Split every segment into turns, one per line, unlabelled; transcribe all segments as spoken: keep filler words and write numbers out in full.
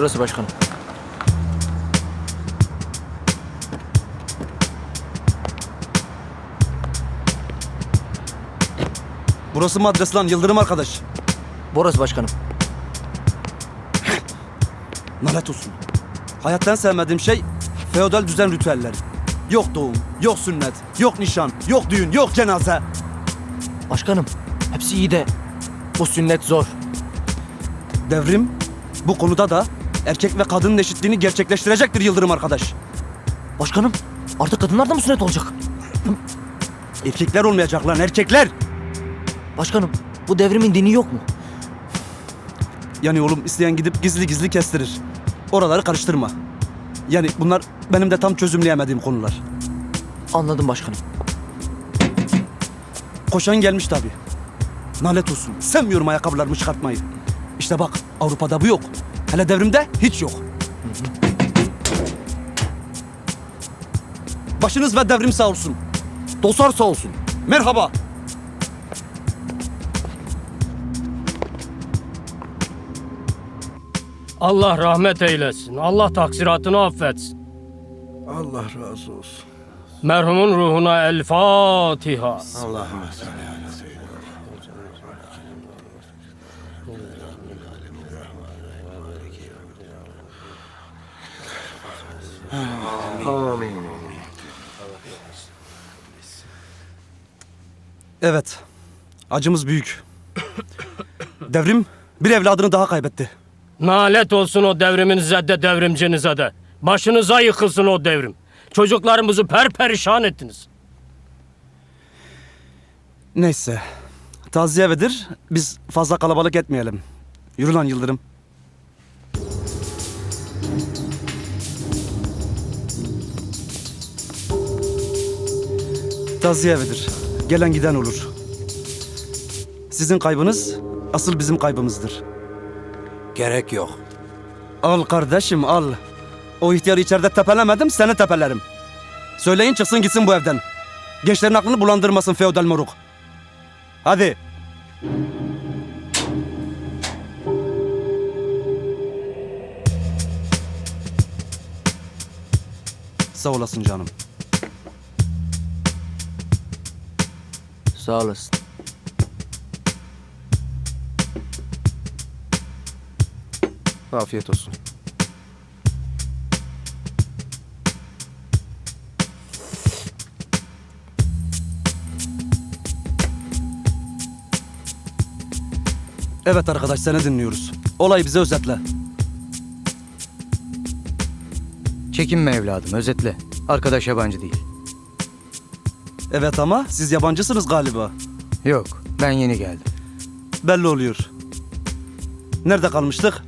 Şurası başkanım.
Burası mı adres lan Yıldırım arkadaş?
Burası başkanım.
Lanet olsun. Hayattan sevmediğim şey feodal düzen ritüelleri. Yok doğum, yok sünnet, yok nişan, yok düğün, yok cenaze.
Başkanım, hepsi iyi de bu sünnet zor.
Devrim bu konuda da erkek ve kadının eşitliğini gerçekleştirecektir Yıldırım arkadaş.
Başkanım, artık kadınlar da mı sünnet olacak?
Erkekler olmayacak lan, erkekler.
Başkanım, bu devrimin dini yok mu?
Yani oğlum isteyen gidip gizli gizli kestirir. Oraları karıştırma. Yani bunlar benim de tam çözümleyemediğim konular.
Anladım başkanım.
Koşan gelmiş tabii. Nalet olsun. Sevmiyorum ayakkabılarımı çıkartmayı. İşte bak Avrupa'da bu yok. Hele devrimde hiç yok. Başınız ve devrim sağ olsun. Dostlar sağ olsun. Merhaba.
Allah rahmet eylesin. Allah taksiratını affetsin.
Allah razı olsun.
Merhumun ruhuna el Fatiha.
Allah'ım. Amin.
Evet. Acımız büyük. Devrim bir evladını daha kaybetti.
Nalet olsun o devriminize de devrimcinize de. Başınıza yıkılsın o devrim. Çocuklarımızı perperişan ettiniz.
Neyse. Taziye evidir. Biz fazla kalabalık etmeyelim. Yürü lan Yıldırım. Taziye evidir. Gelen giden olur. Sizin kaybınız asıl bizim kaybımızdır.
Gerek yok.
Al kardeşim al. O ihtiyarı içeride tepelemedim, seni tepelerim. Söyleyin çıksın gitsin bu evden. Gençlerin aklını bulandırmasın feodal moruk. Hadi. Sağ olasın canım.
Sağ olasın.
Afiyet olsun.
Evet arkadaş seni dinliyoruz. Olayı bize özetle.
Çekinme evladım, özetle. Arkadaş yabancı değil.
Evet ama siz yabancısınız galiba.
Yok, ben yeni geldim.
Belli oluyor. Nerede kalmıştık?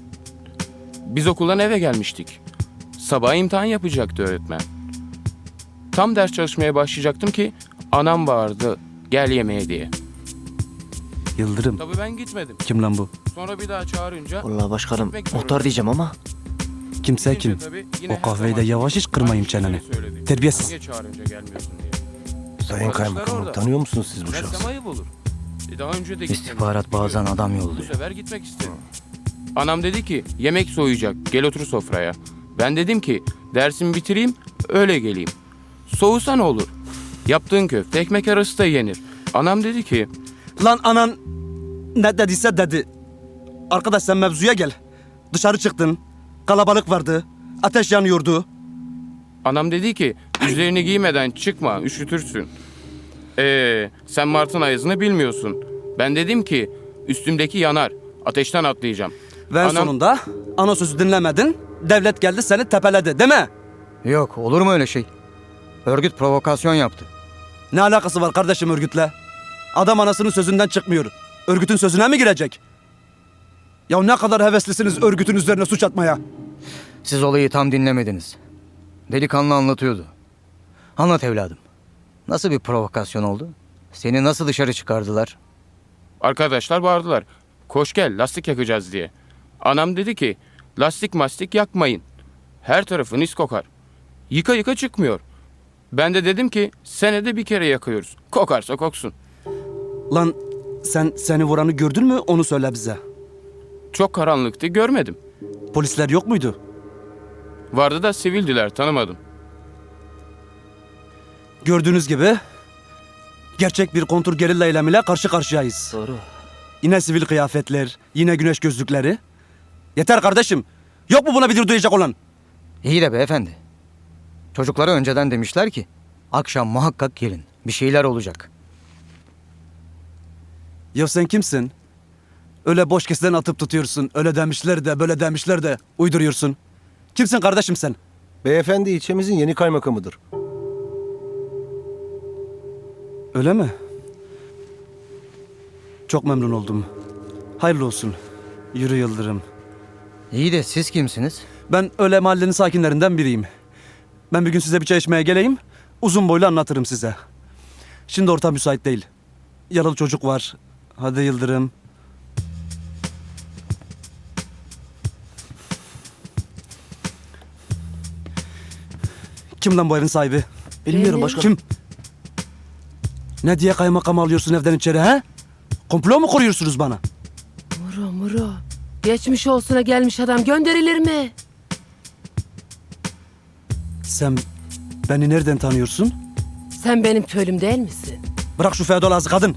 Biz okuldan eve gelmiştik. Sabah imtihan yapacaktı öğretmen. Tam ders çalışmaya başlayacaktım ki anam bağırdı gel yemeğe diye.
Yıldırım.
Tabii ben gitmedim.
Kim lan bu?
Sonra bir daha çağırınca...
Vallahi başkanım,
gitmek
muhtar
zorundayım.
diyeceğim ama.
Kimse
Gidince
kim?
tabii yine
O
her
kahveyi de
zaman
yavaş iç, kırmayayım
aynı şeyi
çeneni.
söyledi.
Terbiyesiz.
Niye çağırınca gelmiyorsun diye.
Sayın
Arkadaşlar
Kaymakamım,
orada.
tanıyor musunuz siz bu
Dersem
şahsı?
ayıp olur. E daha önce de gitmemiştim,
İstihbarat bazen
biliyorum.
adam
Bu
yolluyor.
sefer gitmek istedim. Anam dedi ki yemek soğuyacak gel otur sofraya. Ben dedim ki dersimi bitireyim öyle geleyim. Soğusa ne olur? Yaptığın köfte ekmek arası da yenir. Anam dedi ki
Lan anan ne dediyse dedi. Arkadaş sen mevzuya gel. Dışarı çıktın. Kalabalık vardı. Ateş yanıyordu.
Anam dedi ki üzerini giymeden çıkma üşütürsün. Ee, sen Mart'ın ayazını bilmiyorsun. Ben dedim ki üstümdeki yanar. Ateşten atlayacağım.
Ve en
Anam-
sonunda ana sözü dinlemedin. Devlet geldi seni tepeledi değil mi?
Yok, olur mu öyle şey? Örgüt provokasyon yaptı.
Ne alakası var kardeşim örgütle? Adam anasının sözünden çıkmıyor. Örgütün sözüne mi girecek? Ya ne kadar heveslisiniz örgütün üzerine suç atmaya.
Siz olayı tam dinlemediniz. Delikanlı anlatıyordu. Anlat evladım. Nasıl bir provokasyon oldu? Seni nasıl dışarı çıkardılar?
Arkadaşlar bağırdılar. Koş gel lastik yakacağız diye. Anam dedi ki lastik mastik yakmayın. Her tarafın is kokar. Yıka yıka çıkmıyor. Ben de dedim ki senede bir kere yakıyoruz. Kokarsa koksun.
Lan sen seni vuranı gördün mü onu söyle bize.
Çok karanlıktı görmedim.
Polisler yok muydu?
Vardı da sivildiler, tanımadım.
Gördüğünüz gibi gerçek bir kontur gerilla eylemiyle karşı karşıyayız.
Doğru.
Yine sivil kıyafetler, yine güneş gözlükleri. Yeter kardeşim. Yok mu buna bir dur duyacak olan?
İyi de beyefendi. Çocuklara önceden demişler ki akşam muhakkak gelin. Bir şeyler olacak.
Ya sen kimsin? Öyle boş kesilen atıp tutuyorsun. Öyle demişler de böyle demişler de uyduruyorsun. Kimsin kardeşim sen?
Beyefendi ilçemizin yeni kaymakamıdır.
Öyle mi? Çok memnun oldum. Hayırlı olsun. Yürü Yıldırım.
İyi de siz kimsiniz?
Ben öyle mahallenin sakinlerinden biriyim. Ben bir gün size bir çay içmeye geleyim. Uzun boylu anlatırım size. Şimdi ortam müsait değil. Yaralı çocuk var. Hadi Yıldırım. Kim lan bu evin sahibi?
Bilmiyorum başkanım.
Kim? Ne diye kaymakam alıyorsun evden içeri ha? Komplo mu kuruyorsunuz bana?
Muro Muro. Geçmiş olsuna gelmiş adam gönderilir mi?
Sen beni nereden tanıyorsun?
Sen benim köylüm değil misin?
Bırak şu feodal ağzı kadın.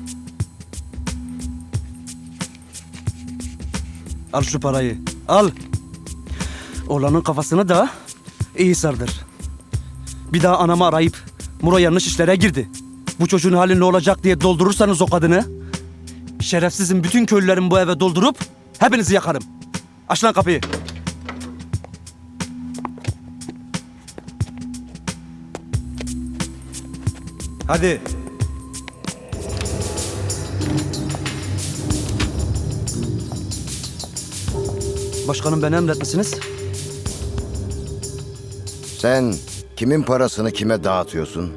Al şu parayı. Al. Oğlanın kafasını da iyi sardır. Bir daha anamı arayıp Muro yanlış işlere girdi. Bu çocuğun hali ne olacak diye doldurursanız o kadını, şerefsizin bütün köylülerin bu eve doldurup hepinizi yakarım. Aç lan kapıyı. Hadi. Başkanım beni emretmişsiniz.
Sen kimin parasını kime dağıtıyorsun?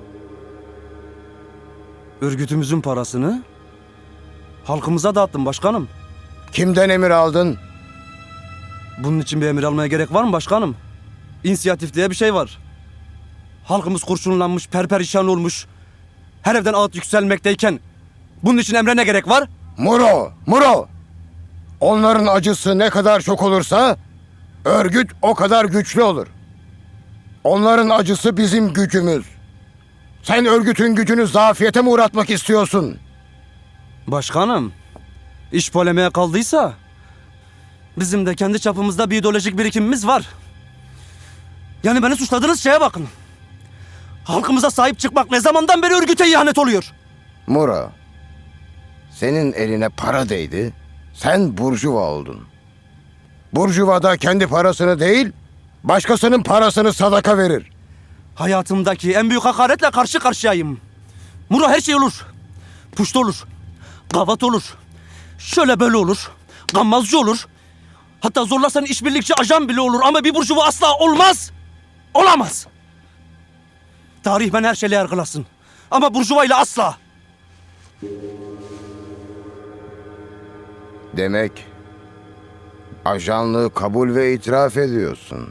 Örgütümüzün parasını halkımıza dağıttım başkanım.
Kimden emir aldın?
Bunun için bir emir almaya gerek var mı başkanım? İnisiyatif diye bir şey var. Halkımız kurşunlanmış, perperişan olmuş. Her evden ağıt yükselmekteyken bunun için emre ne gerek var?
Muro, Muro! Onların acısı ne kadar çok olursa örgüt o kadar güçlü olur. Onların acısı bizim gücümüz. Sen örgütün gücünü zafiyete mi uğratmak istiyorsun?
Başkanım, iş polemiğe kaldıysa bizim de kendi çapımızda bir ideolojik birikimimiz var. Yani beni suçladığınız şeye bakın. Halkımıza sahip çıkmak ne zamandan beri örgüte ihanet oluyor?
Muro, senin eline para değdi, sen burjuva oldun. Burjuva da kendi parasını değil, başkasının parasını sadaka verir.
Hayatımdaki en büyük hakaretle karşı karşıyayım. Muro her şey olur. Puşt olur. Gavat olur. Şöyle böyle olur. Gammazcı olur. Hatta zorlarsan işbirlikçi ajan bile olur ama bir burjuva asla olmaz. Olamaz. Tarih ben her şeyle yargılasın. Ama burjuva ile asla.
Demek ajanlığı kabul ve itiraf ediyorsun.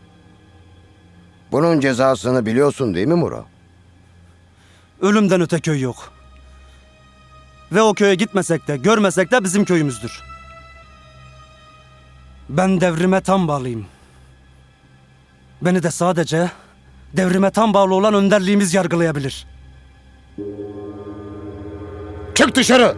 Bunun cezasını biliyorsun değil mi Muro?
Ölümden öte köy yok. Ve o köye gitmesek de görmesek de bizim köyümüzdür. Ben devrime tam bağlıyım. Beni de sadece devrime tam bağlı olan önderliğimiz yargılayabilir.
Çık dışarı!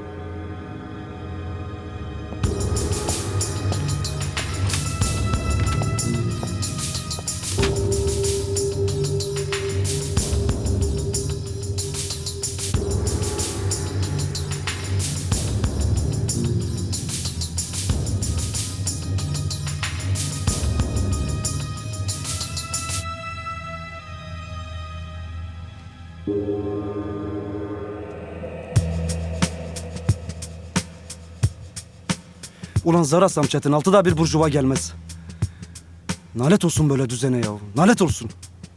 Ulan zarasam Çetin altıda bir burjuva gelmez. Nalet olsun böyle düzene ya. Nalet olsun.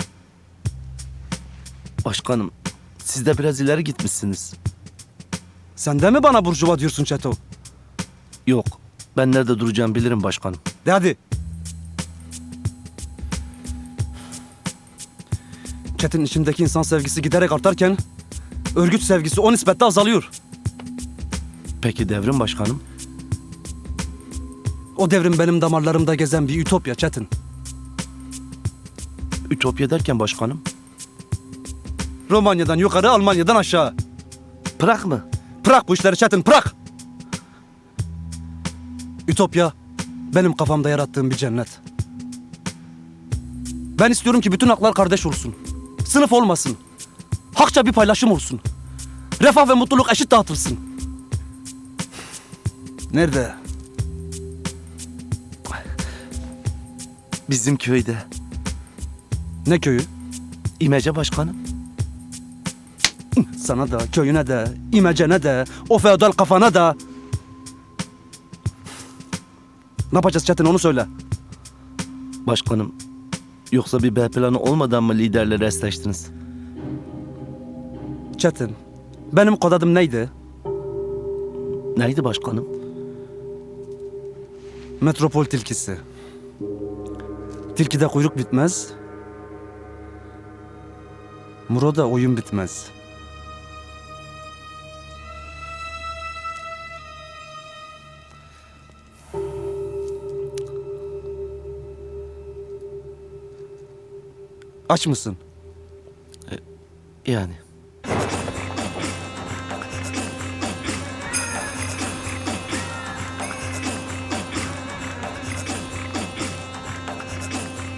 Başkanım, siz de biraz ileri gitmişsiniz.
Sen de mi bana burjuva diyorsun Çeto?
Yok, ben nerede duracağımı bilirim başkanım.
De hadi. Çetin içimdeki insan sevgisi giderek artarken örgüt sevgisi o nispetle azalıyor.
Peki devrim başkanım?
O devrim benim damarlarımda gezen bir ütopya Çetin.
Ütopya derken başkanım.
Romanya'dan yukarı, Almanya'dan aşağı.
Bırak mı?
Bırak bu işleri Çetin, bırak! Ütopya benim kafamda yarattığım bir cennet. Ben istiyorum ki bütün haklar kardeş olsun. Sınıf olmasın. Hakça bir paylaşım olsun. Refah ve mutluluk eşit dağıtılsın. Nerede?
Bizim köyde.
Ne köyü?
İmece başkanım.
Sana da, köyüne de, imecene de, o feodal kafana da. Ne yapacağız Çetin, onu söyle.
Başkanım. Yoksa bir B planı olmadan mı liderleri esleştiniz?
Çetin, benim kod adım neydi?
Neydi başkanım?
Metropol tilkisi. Tilkide kuyruk bitmez. Muro'da oyun bitmez. Aç mısın?
Yani.